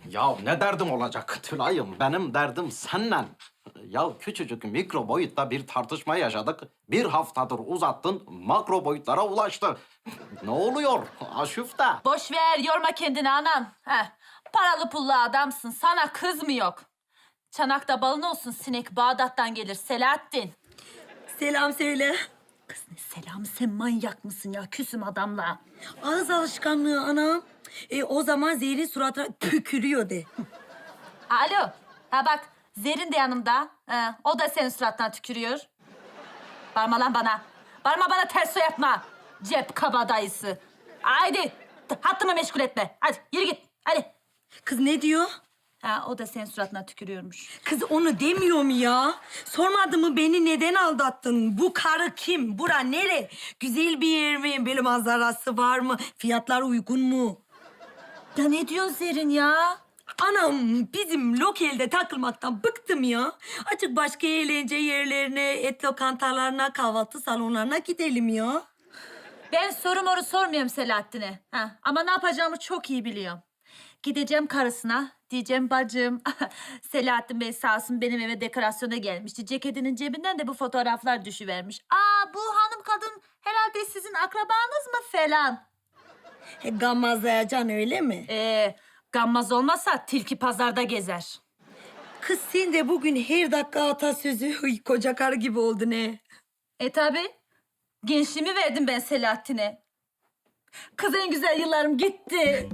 Ya ne derdim olacak Tülay'ım? Benim derdim seninle. Ya küçücük mikro boyutta bir tartışma yaşadık. Bir haftadır uzattın, makro boyutlara ulaştı. Ne oluyor Aşıfte? Boş ver, yorma kendini anam. Heh, paralı pullu adamsın, sana kız mı yok? Çanakta balın olsun, sinek Bağdat'tan gelir Selahattin. Selam söyle. Kız ne selamı, sen manyak mısın ya? Küsüm adamla. Ağız alışkanlığı anam. O zaman Zehir'in suratına pükürüyor de. Alo, ha bak Zerrin de yanımda. O da senin suratına tükürüyor. Bağırma lan bana. Bağırma bana, ters yapma. Cep kabadayısı. Haydi, hattımı meşgul etme. Hadi yürü git, hadi. Kız ne diyor? Ha, o da senin suratına tükürüyormuş. Kız onu demiyor mu ya? Sormadı mı beni neden aldattın? Bu karı kim? Bura nere? Güzel bir yer mi? Böyle manzarası var mı? Fiyatlar uygun mu? Ya ne diyorsun Zerrin ya? Anam bizim lokelde takılmaktan bıktım ya. Açık başka eğlence yerlerine, et lokantalarına, kahvaltı salonlarına gidelim ya. Ben soru moru sormuyorum Selahattin'e. Ha, ama ne yapacağımı çok iyi biliyorum. Gideceğim karısına, diyeceğim bacım. Selahattin Bey sağ olsun benim eve dekorasyona gelmişti. Ceketinin cebinden de bu fotoğraflar düşüvermiş. Aa, bu hanım kadın herhalde sizin akrabanız mı falan. Gammazlayacaksın öyle mi? Gammaz olmasa tilki pazarda gezer. Kız sen de bugün her dakika atasözü koca karı gibi oldun he. Tabi. Gençliğimi verdim ben Selahattin'e. Kız en güzel yıllarım gitti.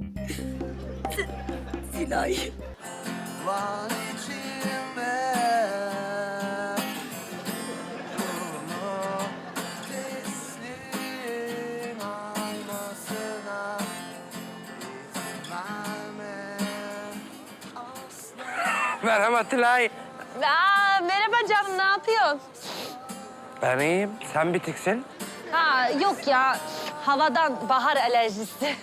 Silah. Var içime Yolumu teslim almasına izin verme asla. Merhaba Tülay. Merhaba canım, ne yapıyorsun? Ben iyiyim. Sen bitiksin. Ha, yok ya, havadan bahar alerjisi.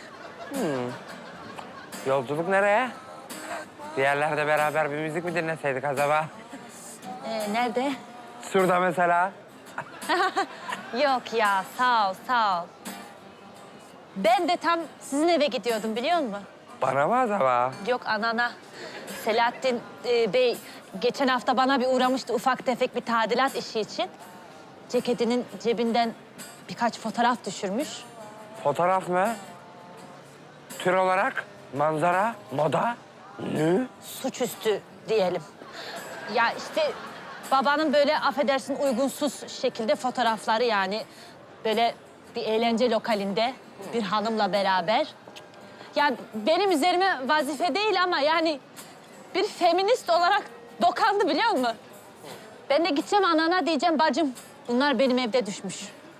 Yolculuk nereye? Diğerlerde beraber bir müzik mi dinleseydik acaba? Nerede? Şurada mesela. Yok ya, sağ ol, sağ ol. Ben de tam sizin eve gidiyordum, biliyor musun? Bana mı acaba? Yok, anana. Selahattin Bey geçen hafta bana bir uğramıştı ufak tefek bir tadilat işi için. Ceketinin cebinden birkaç fotoğraf düşürmüş. Fotoğraf mı? Tür olarak manzara, moda, nü. Suçüstü diyelim. Ya işte babanın böyle affedersin uygunsuz şekilde fotoğrafları, yani böyle bir eğlence lokalinde bir hanımla beraber. Yani benim üzerime vazife değil ama yani bir feminist olarak dokandı, biliyor musun? Ben de gideceğim anana diyeceğim, bacım bunlar benim evde düşmüş.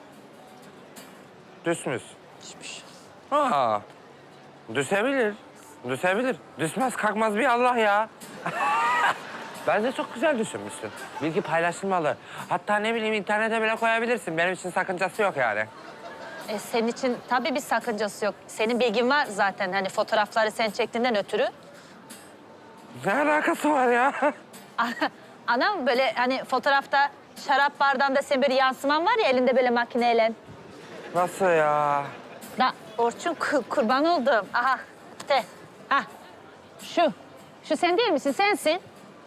Düşmüş. Düşmüş. Aa, düşebilir. Düşebilir. Düşmez kalkmaz bir Allah ya. Bence çok güzel düşünmüşsün. Bilgi paylaşılmalı. Hatta ne bileyim internete bile koyabilirsin. Benim için sakıncası yok yani. Senin için tabii bir sakıncası yok. Senin bilgin var zaten, hani fotoğrafları sen çektiğinden ötürü. Ne alakası var ya? Anam böyle hani fotoğrafta şarap bardağında senin böyle yansıman var ya elinde böyle makineyle. Nasıl ya? Da Orçun kurban oldum. Aha de. Ha şu. Şu sen değil misin? Sensin.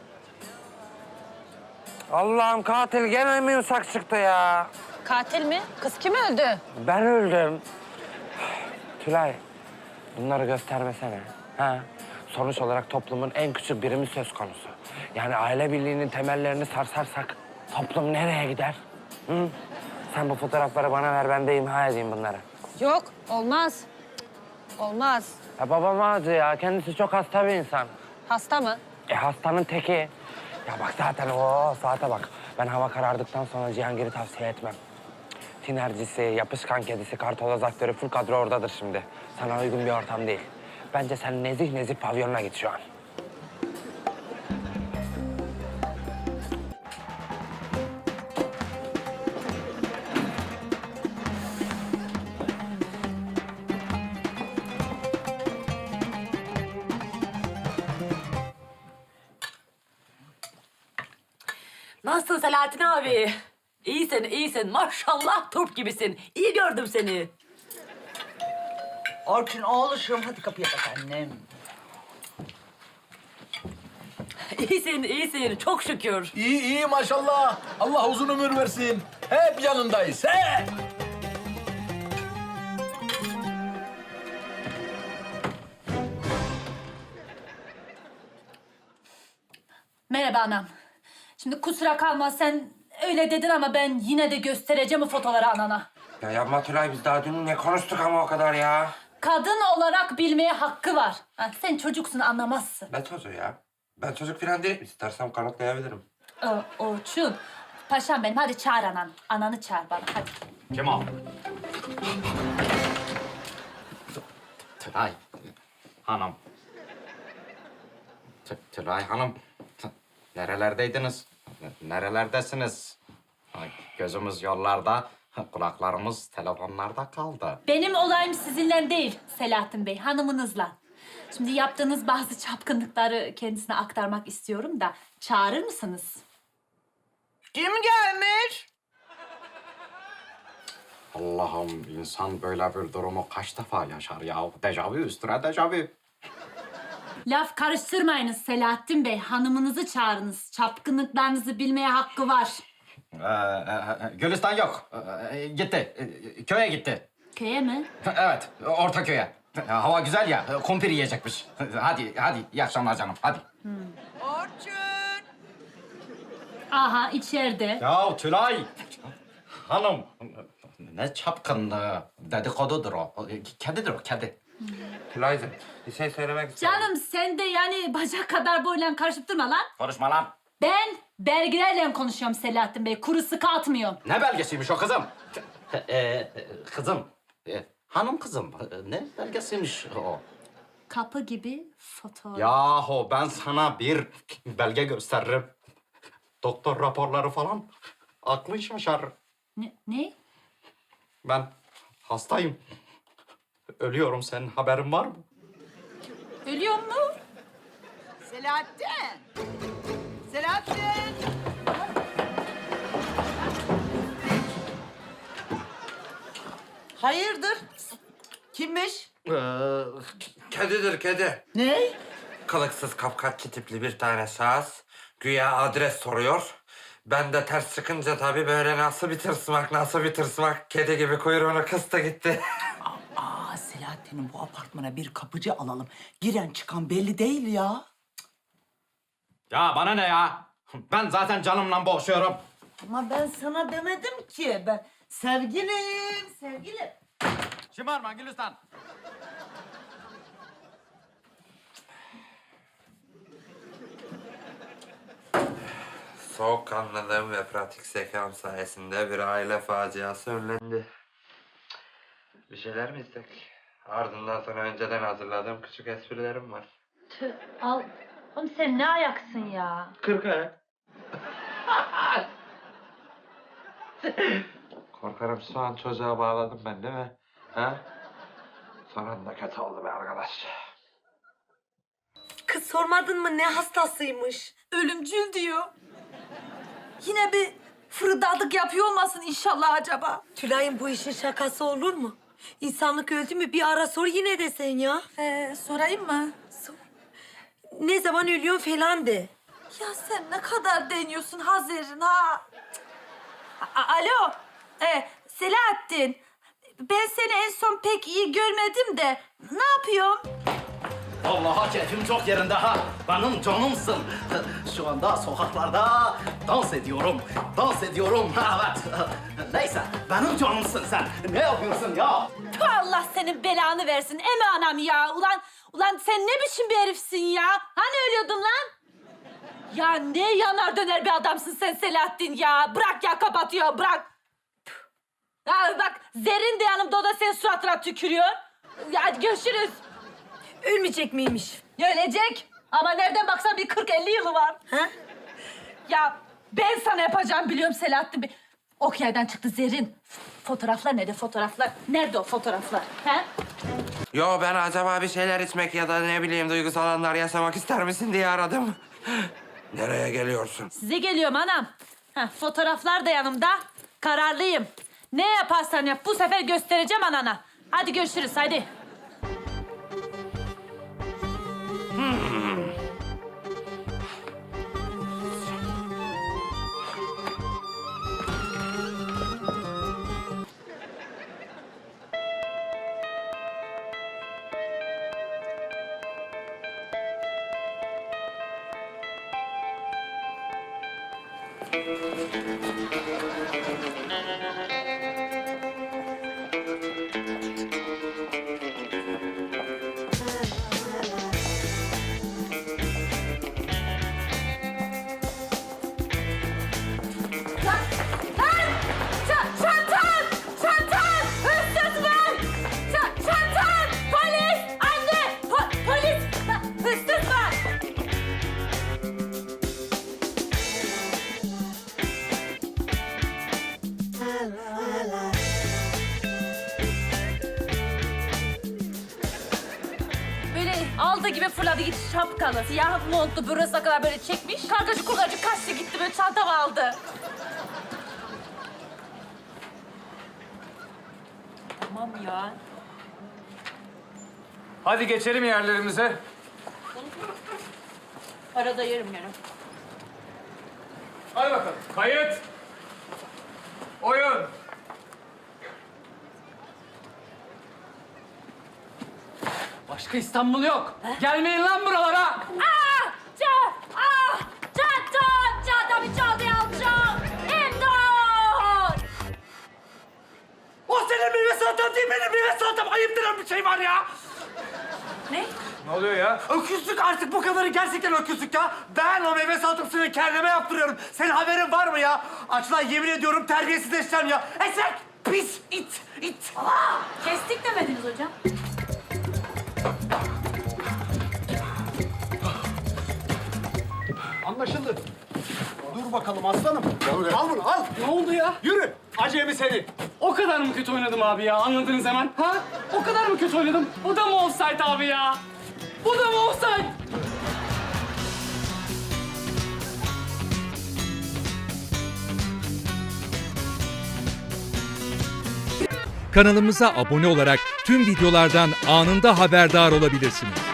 Allah'ım katil gene mi yumuşak çıktı ya? Katil mi? Kız kim öldü? Ben öldüm. Tülay, bunları göstermesene. Ha? Sonuç olarak toplumun en küçük birimi söz konusu. Yani aile birliğinin temellerini sarsarsak toplum nereye gider? Hı? Sen bu fotoğrafları bana ver, ben de imha edeyim bunları. Yok, olmaz. Cık, olmaz. Ya babam ağacı ya, kendisi çok hasta bir insan. Hasta mı? Hastanın teki. Ya bak zaten o saate bak. Ben hava karardıktan sonra Cihangir'i tavsiye etmem. Tinercisi, yapışkan kedisi, kartoloz aktörü full kadro oradadır şimdi. Sana uygun bir ortam değil. Bence sen nezih nezih pavyonuna git şu an. Nasılsın Selahattin abi? İyisin, iyisin. Maşallah turp gibisin. İyi gördüm seni. Orçun oğluşum hadi kapıya bak annem. İyisin, iyisin. Çok şükür. İyi iyi maşallah. Allah uzun ömür versin. Hep yanındayız. He. Merhaba anam. Şimdi kusura kalma sen öyle dedin ama ben yine de göstereceğim o fotoğrafları anana. Ya yapma Tülay, biz daha dün ne konuştuk ama o kadar ya. Kadın olarak bilmeye hakkı var. Ha, sen çocuksun anlamazsın. Ne çocuğu ya? Ben çocuk falan değilim. İstersen kanıtlayabilirim. Orçun. Paşam benim hadi çağır anan. Ananı çağır bana hadi. Kim o? Tülay Hanım. Tülay Hanım. Nerelerdeydiniz? Nerelerdesiniz? Ay, gözümüz yollarda, kulaklarımız telefonlarda kaldı. Benim olayım sizinle değil Selahattin Bey, hanımınızla. Şimdi yaptığınız bazı çapkınlıkları kendisine aktarmak istiyorum da çağırır mısınız? Kim gelmiş? Allah'ım, insan böyle bir durumu kaç defa yaşar ya? Dejavu üstüne dejavu. Laf karıştırmayınız Selahattin Bey, hanımınızı çağırınız. Çapkınlıklarınızı bilmeye hakkı var. Gülistan yok. Gitti. Köye gitti. Köye mi? Evet, orta köye. Hava güzel ya, kumpir yiyecekmiş. Hadi, iyi akşamlar canım, hadi. Orçun. Aha içeride. Ya Tülay! Hanım, ne çapkınlığı, dedikodudur o. Kedidir o, kedi. Tülay'cığım, bir şey söylemek istiyorum. Canım sen de yani bacak kadar boyla karışıp durma lan. Konuşma lan. Ben belgelerle konuşuyorum Selahattin Bey, kuru sıkı atmıyorum. Ne belgesiymiş o kızım? Kızım, hanım kızım, ne belgesiymiş o? Kapı gibi fotoğraf. Yahu ben sana bir belge gösteririm. Doktor raporları falan, aklın şaşar. Ne? Ben hastayım. Ölüyorum, senin haberin var mı? Ölüyor mu? Selahattin. Selahattin. Hayırdır? Kimmiş? Kedidir kedi. Ne? Kılıksız kapkaççı tipli bir tane şahıs. Güya adres soruyor. Ben de ters çıkınca tabii böyle nasıl bir tırsmak. Kedi gibi kuyruğunu kıstı gitti. Selahattin'in bu apartmana bir kapıcı alalım. Giren çıkan belli değil ya. Ya bana ne ya? Ben zaten canımla boğuşuyorum. Ama ben sana demedim ki. Ben sevgilim. Şımarma Gülistan. Soğukkanlılığım ve pratik zekam sayesinde bir aile faciası önlendi. Bir şeyler mi istek? Ardından sana önceden hazırladığım küçük esprilerim var. Tüh, al. Oğlum sen ne ayaksın ya? 40 ayak. Korkarım şu an çocuğa bağladım ben değil mi? Ha? Son anda kötü oldu be arkadaş. Kız sormadın mı ne hastasıymış? Ölümcül diyor. Yine bir fırıldadık yapıyor olmasın inşallah acaba? Tülay'ın bu işin şakası olur mu? İnsanlık öldü mü bir ara sor yine de sen ya. Sorayım mı? Sor. Ne zaman ölüyorsun falan de. Ya sen ne kadar deniyorsun Hazerin ha? Alo, Selahattin. Ben seni en son pek iyi görmedim de ne yapıyorsun? Vallahi keyfim çok yerinde ha. Benim canımsın. Şu anda sokaklarda dans ediyorum. Evet. Neyse, benim canımsın sen. Ne yapıyorsun ya? Tüh, Allah senin belanı versin eme anam ya. Ulan sen ne biçim bir herifsin ya? Hani ölüyordun lan? Ya ne yanar döner bir adamsın sen Selahattin ya. Bırak ya kapatıyor bırak. Tüh. Ya bak Zerrin de yanımda o da senin suratına tükürüyor. Ya hadi görüşürüz. Ölmeyecek miymiş? Ölecek. Ama nereden baksan bir 40-50 yılı var. Ha? Ya ben sana yapacağım biliyorum Selahattin Bey. Ok yerden çıktı Zerrin. Fotoğraflar nerede fotoğraflar? Nerede o fotoğraflar? He? Yo ben acaba bir şeyler içmek ya da ne bileyim duygusal anlar yaşamak ister misin diye aradım. Nereye geliyorsun? Size geliyorum anam. Fotoğraflar da yanımda. Kararlıyım. Ne yaparsan yap bu sefer göstereceğim anana. Hadi görüşürüz hadi. Çantam! Çantam! Hırsız var! Çantam! Polis! Anne! Polis! Hırsız var! Böyle aldığı gibi fırladı gitti şapkalı. Siyah montlu burasına kadar böyle çekmiş. Kargacı kurgacı kaçtı gitti böyle çantamı aldı. Tamam ya. Hadi geçelim yerlerimize. Arada yerim yani. Hadi bakalım. Kayıt. Oyun. Başka İstanbul yok. Gelmeyin lan buralara. Çantamı çaldı alacağım. İmdat! O senin meyve salatan değil, benim meyve salatam. Ayıp denen bir şey var ya. Ne? Ne oluyor ya? Öküzlük artık bu kadarı, gerçekten öküzlük ya. Ben o meyve salatasını kendime yaptırıyorum. Senin haberin var mı ya? Açlan yemin ediyorum terbiyesizleşeceğim ya. Eşek, pis, it. Kestik demediniz hocam. Anlaşıldı. Dur bakalım aslanım. Al bunu al. Ne oldu ya? Yürü. Acemi seni. O kadar mı kötü oynadım abi ya? Anladınız hemen. Ha? O kadar mı kötü oynadım? Bu da mı offside abi ya? Bu da mı offside? Kanalımıza abone olarak tüm videolardan anında haberdar olabilirsiniz.